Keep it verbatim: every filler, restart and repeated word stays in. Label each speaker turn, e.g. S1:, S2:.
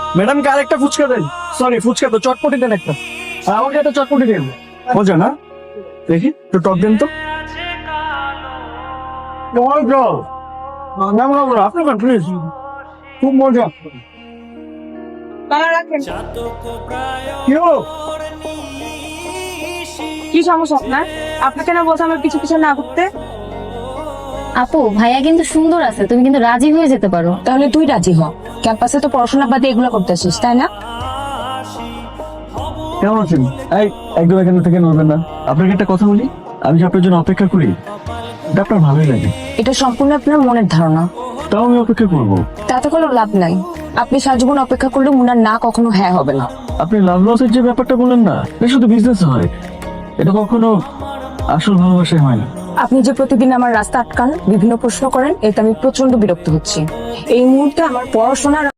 S1: Madam কে আরেকটা ফুচকা দেন, sorry fuchka তো চটপটি দেন একটা, আর আমাকে একটা চটপটি দেন। মজা না, দেখি তো টক দেন তো। মজা ম্যাম, আপনি খান প্লিজ, খুব মজা।
S2: বাবা রাখেন।
S1: কি হলো?
S2: কি সমস্যা আপনার? আপনাকে না বলছি আমার পিছু পিছু না ঘুরতে।
S3: আপু ভাইয়া কিন্তু সুন্দর আছে, তুমি কিন্তু রাজি হয়ে যেতে পারো।
S2: তাহলে তুই রাজি হ, ক্যাম্পাসে তো পড়াশোনা বাদে এগুলো করতেছিস তাই না?
S1: কেমন আছেন? এই একদম এখান থেকে নড়বেন না। আপনাকে একটা কথা বলি, আমি যে আপনার জন্য অপেক্ষা করি এটা আপনার ভালোই লাগে।
S2: এটা সম্পূর্ণ আপনার মনের ধারণা,
S1: তাও আমি অপেক্ষা করবো।
S2: তাতে কোনো লাভ নাই। আপনি সারা জীবন অপেক্ষা করলে মুনার না কখনো হ্যাঁ হবে না।
S1: আপনি লাভ লসের যে ব্যাপারটা বললেন না, এটা শুধু বিজনেস হয়, এটা কখনো আসল ভালোবাসায় হয় না।
S2: আপনি যে প্রতিদিন আমার রাস্তা আটকান, বিভিন্ন প্রশ্ন করেন, এতে আমি প্রচন্ড বিরক্ত হচ্ছি। এই মুহূর্তে আমার পড়াশোনার